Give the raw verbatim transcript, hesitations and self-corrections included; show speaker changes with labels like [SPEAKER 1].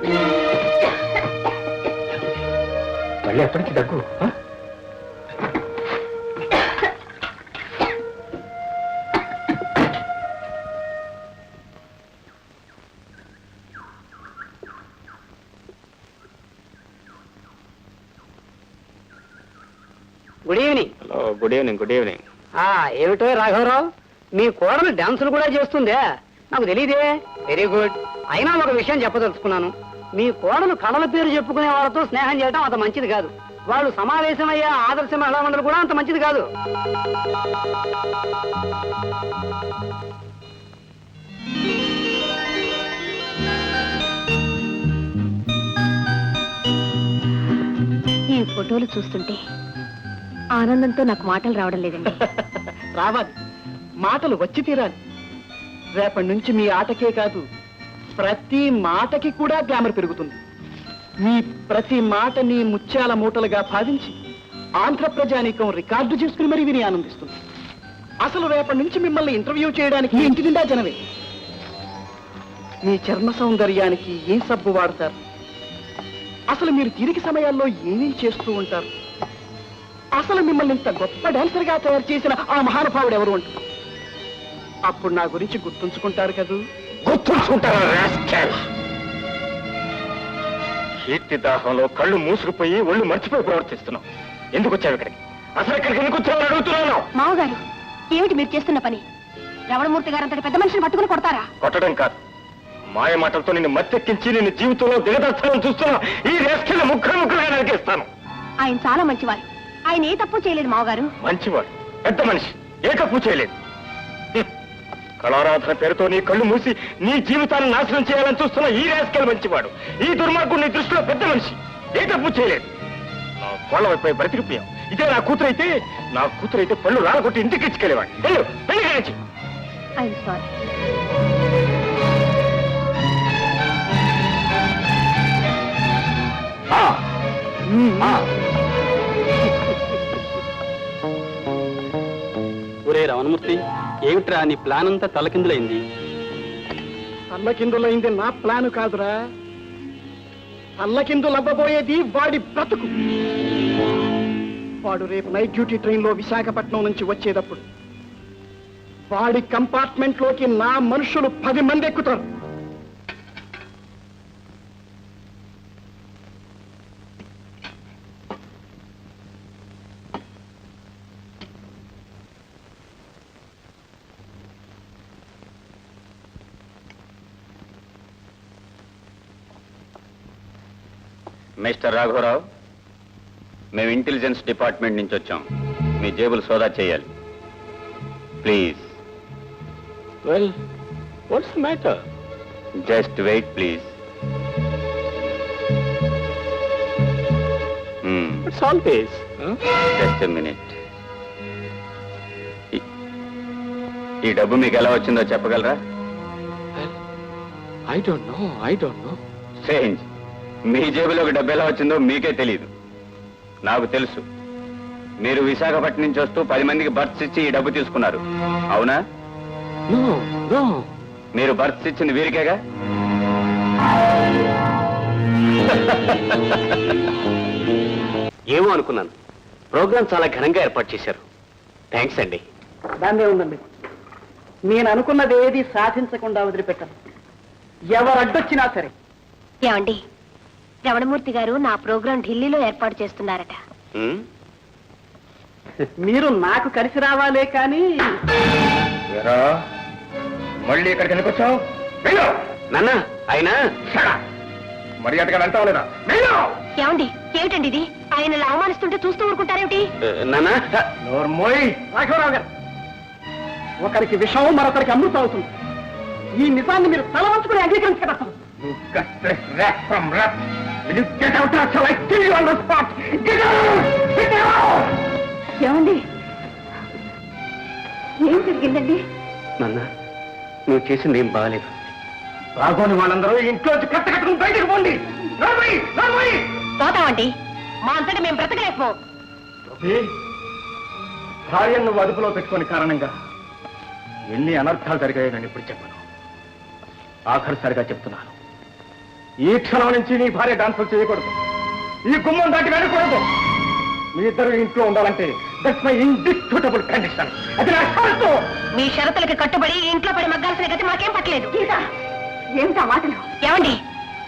[SPEAKER 1] మళ్ళీ ఎప్పటికీ దగ్గు.
[SPEAKER 2] Good evening.
[SPEAKER 1] Hello, good evening. Good evening.
[SPEAKER 2] ఏమిటో రాఘవరావు, మీ కోడలు డాన్సులు కూడా చేస్తుందే? నాకు తెలియదే. Very good. అయినా ఒక విషయం చెప్పదలుచుకున్నాను. మీ కోడలు కళల పేరు చెప్పుకునే వాళ్ళతో స్నేహం చేయడం అంత మంచిది కాదు. వాళ్ళు సమావేశమయ్యే ఆదర్శ మహిళా మండలి కూడా అంత మంచిది కాదు.
[SPEAKER 3] ఈ ఫోటోలు చూస్తుంటే ఆనందంతో నాకు మాటలు రావడం లేదండి.
[SPEAKER 2] రావాలి, మాటలు వచ్చి తీరాలి. రేపటి నుంచి మీ ఆటకే కాదు, ప్రతి మాటకి కూడా గ్లామర్ పెరుగుతుంది. మీ ప్రతి మాటని ముత్యాల మూటలుగా భావించి ఆంధ్ర ప్రజానీకం రికార్డు చేసుకుని మరీ విని ఆనందిస్తుంది. అసలు రేపటి నుంచి మిమ్మల్ని ఇంటర్వ్యూ చేయడానికి ఇంటి నిండా జనమే. మీ చర్మ సౌందర్యానికి ఏం సబ్బు వాడతారు, అసలు మీరు తీరిక సమయాల్లో ఏమేం చేస్తూ ఉంటారు, అసలు మిమ్మల్ని ఇంత గొప్ప డాన్సర్ గా తయారు చేసిన ఆ మహానుభావుడు ఎవరు అంటారు. అప్పుడు నా గురించి గుర్తుంచుకుంటారు కదూ?
[SPEAKER 1] గుర్తుంచుకుంటారా? కీర్తి దాహంలో కళ్ళు మూసుకుపోయి ఒళ్ళు మర్చిపోయి ప్రవర్తిస్తున్నావు. ఎందుకు వచ్చావు ఇక్కడికి? అసలు ఇక్కడికి ఎందుకు వచ్చావు అడుగుతున్నాను.
[SPEAKER 3] మామగారు, ఏమిటి మీరు చేస్తున్న పని? రమణమూర్తి గారు అంతటి పెద్ద మనిషిని పట్టుకుని కొడతారా?
[SPEAKER 1] కొట్టడం కాదు, మాయ మాటలతో నిన్ను మత్తెక్కించి నిన్ను జీవితంలో దిగదర్చాలని చూస్తున్నా ఈ రేస్కెళ్ళ ముక్కలు ముక్కలుగా నరికేస్తాను.
[SPEAKER 3] ఆయన చాలా మంచివారు. ఆయన ఏ తప్పు చేయలేదు మామగారు.
[SPEAKER 1] మంచివాడు, పెద్ద మనిషి, ఏ తప్పు చేయలేదు. కళారాధన పేరుతో నీ కళ్ళు మూసి నీ జీవితాన్ని నాశనం చేయాలని చూస్తున్న ఈ రేస్కెల్ మంచివాడు. ఈ దుర్మార్గుడు నీ దృష్టిలో పెద్ద మనిషి, ఏ తప్పు చేయలేదు. నా కోళ్ళ వైపు బ్రతికిపోయాం. ఇదే నా కూతురు అయితే నా కూతురు అయితే పళ్ళు రాలగొట్టి ఇంటికి ఇచ్చుకెళ్ళేవాడు. వెళ్ళు, వెళ్ళి నుంచి.
[SPEAKER 3] I'm sorry.
[SPEAKER 4] ఒరే రమణమూర్తి, ఏమిట్రా నీ ప్లాన్ అంతా తలకిందులైంది?
[SPEAKER 2] తల్లకిందులైంది నా ప్లాను కాదురా, తల్లకిందులవ్వబోయేది వాడి బ్రతుకు. వాడు రేపు నైట్ డ్యూటీ ట్రైన్ లో విశాఖపట్నం నుంచి వచ్చేటప్పుడు వాడి కంపార్ట్మెంట్ లోకి నా మనుషులు పది మంది ఎక్కుతారు.
[SPEAKER 1] మిస్టర్ రాఘవరావు, మేము ఇంటెలిజెన్స్ డిపార్ట్మెంట్ నుంచి వచ్చాం. మీ జేబులు సోదా చేయాలి please. Well, what's the matter? Just wait please. It's always just a minute. ఈ డబ్బు మీకు ఎలా వచ్చిందో చెప్పగలరా?
[SPEAKER 4] I don't know I don't know
[SPEAKER 1] strange. మీ జేబులోకి డబ్బు ఎలా వచ్చిందో మీకే తెలియదు. నాకు తెలుసు. మీరు విశాఖపట్నం నుంచి వస్తూ పది మందికి బర్త్స్ ఇచ్చి ఈ డబ్బు తీసుకున్నారు, అవునా? మీరు బర్త్స్ ఇచ్చింది వీరికేగా?
[SPEAKER 4] ఏమో అనుకున్నాను. ప్రోగ్రాం చాలా ఘనంగా ఏర్పాటు చేశారు. థ్యాంక్స్ అండి.
[SPEAKER 2] దాన్నే ఉందండి. నేను అనుకున్నది ఏది సాధించకుండా వదిలిపెట్టాను, ఎవరు అడ్డొచ్చినా సరే.
[SPEAKER 3] ఏమండి, రమణమూర్తి గారు నా ప్రోగ్రాం ఢిల్లీలో ఏర్పాటు చేస్తున్నారట.
[SPEAKER 2] మీరు నాకు కలిసి రావాలే కానీ.
[SPEAKER 1] మళ్ళీ ఇక్కడికి ఎందుకు వచ్చావు?
[SPEAKER 4] నాన్న, ఆయన
[SPEAKER 1] మర్యాదగా వెళ్తావు లేదా?
[SPEAKER 3] ఏమండి, ఏమిటండి ఇది? ఆయన ఇలా అవమానిస్తుంటే చూస్తూ ఊరుకుంటారేమిటి?
[SPEAKER 4] నాన్న,
[SPEAKER 2] రాఘవరావు గారు, ఒకరికి విషం మరొకరికి అమృతం అవుతుంది. ఈ నిజాన్ని మీరు తల వంచుకుని అంగీకరించగలరు.
[SPEAKER 3] ఏమండి, ఏం జరిగిందండి?
[SPEAKER 4] నాన్న, నువ్వు చేసింది ఏం బాగాలేదు.
[SPEAKER 1] రాఘోని వాళ్ళందరూ ఇంట్లో కట్ట కట్టుకుని బయటకు పోండి.
[SPEAKER 3] పోతామండి, మా అంతటా మేము బ్రతకలేకపో.
[SPEAKER 1] భార్యను నువ్వు అదుపులో పెట్టుకుని కారణంగా ఎన్ని అనర్థాలు జరిగాయో నేను ఇప్పుడు చెప్పను. ఆఖరిసారిగా చెప్తున్నాను, ఈ క్షణం నుంచి నీ భార్య డాన్సులు చేయకూడదు, ఈ గుమ్మం దాటి వెళ్ళకూడదు. మీ ఇద్దరు ఇంట్లో ఉండాలంటే దట్స్ మై ఇండిస్ప్యూటబుల్ కండిషన్. అది నా షరతు.
[SPEAKER 3] మీ షరతులకి కట్టుబడి ఇంట్లో పడి మగ్గాల్సిన గతి మాకేం పట్టలేదు. ఏమిటా మాటలు? ఏమండి